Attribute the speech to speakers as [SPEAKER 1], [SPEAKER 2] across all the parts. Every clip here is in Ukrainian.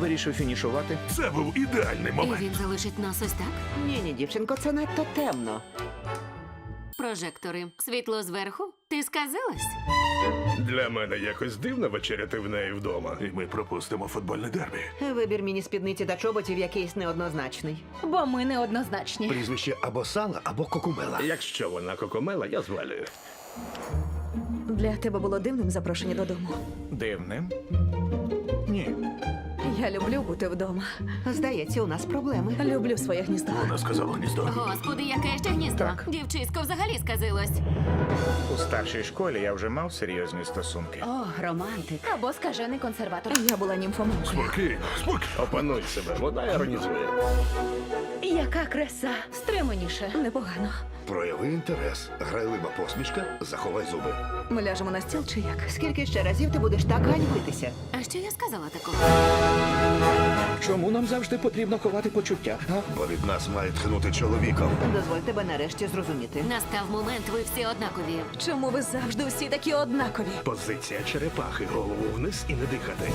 [SPEAKER 1] вирішив фінішувати.
[SPEAKER 2] Це був ідеальний
[SPEAKER 3] І
[SPEAKER 2] момент.
[SPEAKER 3] він залишить нас ось так?
[SPEAKER 4] Ні, дівчинко, це надто темно.
[SPEAKER 3] Прожектори. Світло зверху? Ти сказалась?
[SPEAKER 2] Для мене якось дивно вечеряти в неї вдома. І ми пропустимо футбольне дербі.
[SPEAKER 4] Вибір міні-спідниці та чоботів якийсь неоднозначний.
[SPEAKER 5] Бо ми неоднозначні.
[SPEAKER 6] Прізвище або Сала, або Кокумела.
[SPEAKER 2] Якщо вона кокомела, я звалюю.
[SPEAKER 5] Для тебе було дивним запрошення додому.
[SPEAKER 1] Дивним? Ні.
[SPEAKER 5] Я люблю бути вдома.
[SPEAKER 4] Здається, у нас проблеми.
[SPEAKER 5] Люблю своє гніздо.
[SPEAKER 2] Вона сказала гніздо.
[SPEAKER 3] Господи, яке ще гніздо.
[SPEAKER 1] Так.
[SPEAKER 3] Дівчисько взагалі сказилось.
[SPEAKER 1] У старшій школі я вже мав серйозні стосунки.
[SPEAKER 3] О, романтик.
[SPEAKER 5] Або скажений консерватор. Я була німфоманкою.
[SPEAKER 2] Спокійно, спокійно.
[SPEAKER 1] Опануй себе, вона іронізує.
[SPEAKER 5] Яка краса. Стриманіше. Непогано.
[SPEAKER 6] Прояви інтерес, грайлива посмішка, заховай зуби.
[SPEAKER 5] Ми ляжемо на стіл чи як?
[SPEAKER 4] Скільки ще разів ти будеш так ганьбитися?
[SPEAKER 3] А що я сказала такого?
[SPEAKER 1] Чому нам завжди потрібно ховати почуття? А?
[SPEAKER 6] Бо від нас має тхнути чоловіком.
[SPEAKER 4] Дозволь тебе нарешті зрозуміти.
[SPEAKER 3] Настав момент, ви всі однакові.
[SPEAKER 5] Чому ви завжди всі такі однакові?
[SPEAKER 2] Позиція черепахи. Голову вниз і не дихати.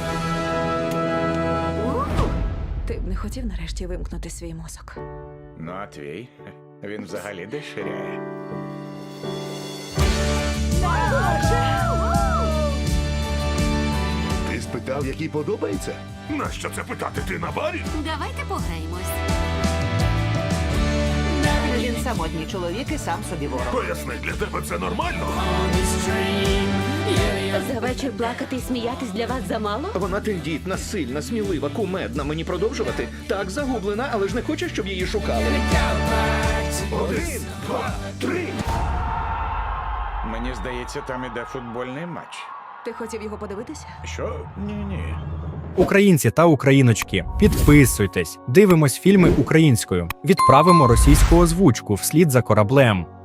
[SPEAKER 5] Ти б не хотів нарешті вимкнути свій мозок.
[SPEAKER 1] Ну, а твій? Він взагалі деширяє.
[SPEAKER 6] Ти спитав, який подобається?
[SPEAKER 2] Нащо це питати? Ти на барі?
[SPEAKER 3] Давайте пограємось.
[SPEAKER 4] Він самотній чоловік і сам собі ворог.
[SPEAKER 2] Поясни, для тебе це нормально?
[SPEAKER 3] За вечір плакати і сміятись для вас замало?
[SPEAKER 1] Вона тендітна, сильна, смілива, кумедна. Мені продовжувати? Так, загублена, але ж не хоче, щоб її шукали.
[SPEAKER 2] 1, 2, 3.
[SPEAKER 1] Мені здається, там іде футбольний матч.
[SPEAKER 5] Ти хотів його подивитися?
[SPEAKER 1] Що? Ні-ні.
[SPEAKER 7] Українці та україночки, підписуйтесь, дивимось фільми українською, відправимо російську озвучку вслід за кораблем.